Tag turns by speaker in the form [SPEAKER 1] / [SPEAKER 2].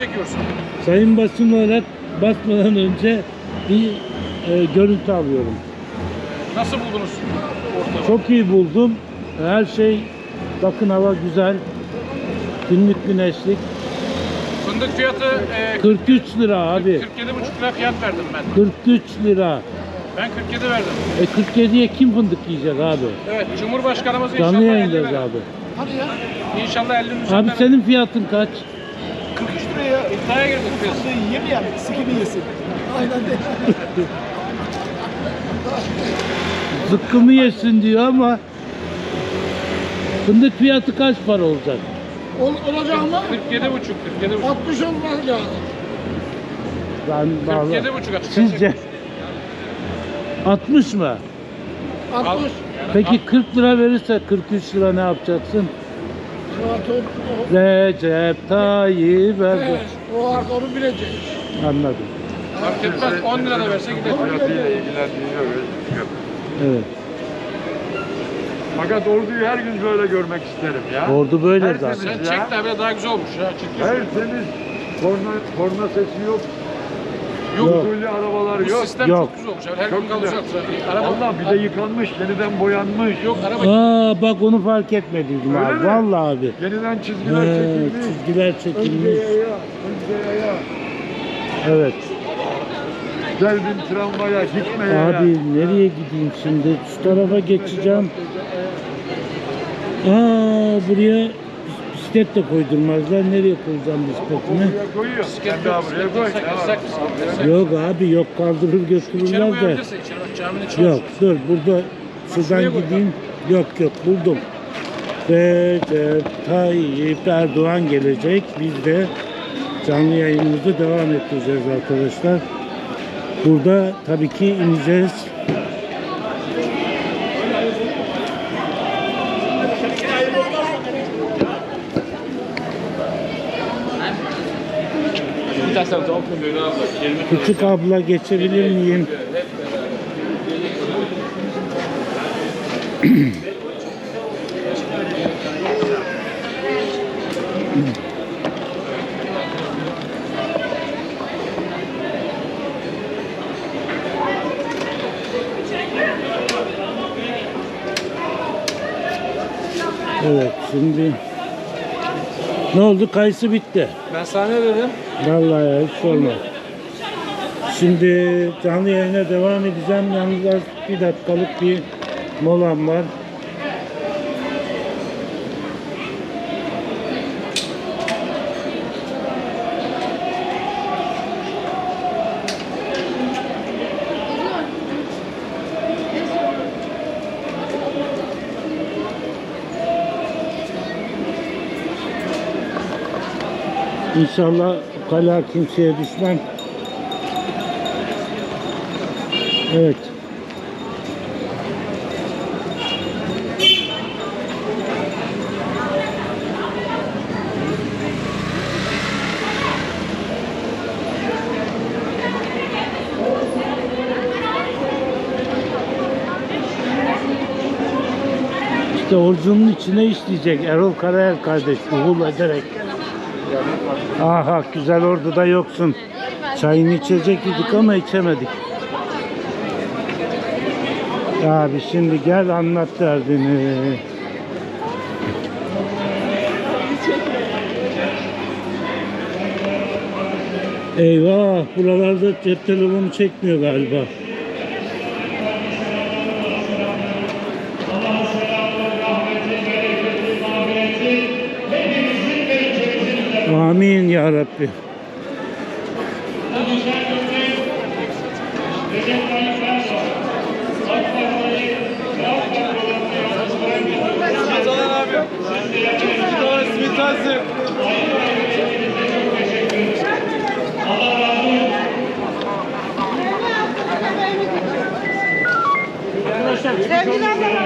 [SPEAKER 1] Çekiyorsun.
[SPEAKER 2] Sayın basın olarak basmadan önce bir görüntü alıyorum.
[SPEAKER 1] Nasıl buldunuz ortamı?
[SPEAKER 2] Çok iyi buldum. Her şey, bakın hava güzel. Günlük güneşlik.
[SPEAKER 1] Fındık fiyatı
[SPEAKER 2] 43 lira abi.
[SPEAKER 1] 47,5 lira fiyat verdim ben.
[SPEAKER 2] 43 lira.
[SPEAKER 1] Ben 47 verdim.
[SPEAKER 2] 47'ye kim fındık yiyecek abi?
[SPEAKER 1] Evet, Cumhurbaşkanımız
[SPEAKER 2] Canlı
[SPEAKER 1] inşallah 50
[SPEAKER 2] yayındayız
[SPEAKER 1] verir.
[SPEAKER 2] abi.
[SPEAKER 1] Hadi ya. İnşallah 50'nin üzerinde
[SPEAKER 2] Abi
[SPEAKER 1] verir.
[SPEAKER 2] senin fiyatın kaç?
[SPEAKER 1] 43 liraya iddiaya girdik biz.
[SPEAKER 3] Yiyeyim yani, sikimi yesin. Aynen de.
[SPEAKER 2] Zıkkımı yesin diyor ama fındık fiyatı kaç para olacak?
[SPEAKER 3] Olacak ama
[SPEAKER 1] 47,5
[SPEAKER 3] 60 olmaz lazım.
[SPEAKER 2] Ben vallahi
[SPEAKER 1] 47,5 açık.
[SPEAKER 2] sizce 60 mı?
[SPEAKER 3] 60.
[SPEAKER 2] Peki 40 lira verirse 43 lira ne yapacaksın? Recep Tayyip Erdoğan.
[SPEAKER 3] Evet, o artık onu bilecek.
[SPEAKER 2] Anladım.
[SPEAKER 1] Fark etmez 10 lira da verse gider.
[SPEAKER 4] Fiyatıyla ilgilendiği yok.
[SPEAKER 2] Evet.
[SPEAKER 4] Fakat orduyu her gün böyle görmek isterim ya.
[SPEAKER 2] Ordu böyle
[SPEAKER 4] Her
[SPEAKER 2] zaten.
[SPEAKER 4] temiz
[SPEAKER 1] Sen
[SPEAKER 4] ya.
[SPEAKER 1] çek de bile daha güzel olmuş ya. Çek.
[SPEAKER 4] Her temiz. Korna sesi yok.
[SPEAKER 2] Yok.
[SPEAKER 4] Usulü arabalar
[SPEAKER 1] Bu
[SPEAKER 4] yok.
[SPEAKER 1] sistem
[SPEAKER 2] Yok.
[SPEAKER 1] çok güzel olmuş. Her
[SPEAKER 4] Çok
[SPEAKER 1] gün kalacak
[SPEAKER 4] güzel.
[SPEAKER 1] zaten. Araba
[SPEAKER 4] Allah bir de yıkanmış, yeniden boyanmış.
[SPEAKER 1] yok, araba
[SPEAKER 2] Aa bak onu fark etmediydim
[SPEAKER 4] Öyle
[SPEAKER 2] abi.
[SPEAKER 4] mi?
[SPEAKER 2] Vallahi abi.
[SPEAKER 4] Yeniden çizgiler
[SPEAKER 2] He,
[SPEAKER 4] çekilmiş.
[SPEAKER 2] çizgiler çekilmiş.
[SPEAKER 4] Önce yaya.
[SPEAKER 2] Evet.
[SPEAKER 4] Geldin tramvaya, gitme yaya.
[SPEAKER 2] Abi nereye gideyim şimdi? Şu tarafa geçeceğim. Aa buraya bisiklet de koydurmazlar. Nereye koyacağım bisikletimi?
[SPEAKER 4] Buraya koyuyor. Sen daha buraya koy.
[SPEAKER 1] yasak.
[SPEAKER 2] Yok abi yok, kaldırır
[SPEAKER 1] İçeri
[SPEAKER 2] götürürler de.
[SPEAKER 1] koyabilirsin. İçeri bak caminin içine.
[SPEAKER 2] Yok dur burada şuradan
[SPEAKER 1] şuraya koy.
[SPEAKER 2] gideyim. Yok buldum. Recep Tayyip Erdoğan gelecek. Biz de canlı yayınımızı devam ettireceğiz arkadaşlar. Burada tabii ki ineceğiz. Küçük abla geçebilir miyim? Evet şimdi ne oldu? Kayısı bitti.
[SPEAKER 1] Ben sana ne dedim?
[SPEAKER 2] Vallahi ya, hiç sorma. Şimdi canlı yayına devam edeceğim. Yalnız bir dakikalık bir molam var. İnşallah kala kimseye düşmem. Evet. İşte orucunun içine işleyecek Erol Karayel kardeş uhul ederek. Aha güzel orduda yoksun. Çayını içecek idik ama içemedik. Abi şimdi gel anlat derdini. Eyvah buralarda cep telefonu çekmiyor galiba. Amin ya Rabbi.
[SPEAKER 3] Sevgili abla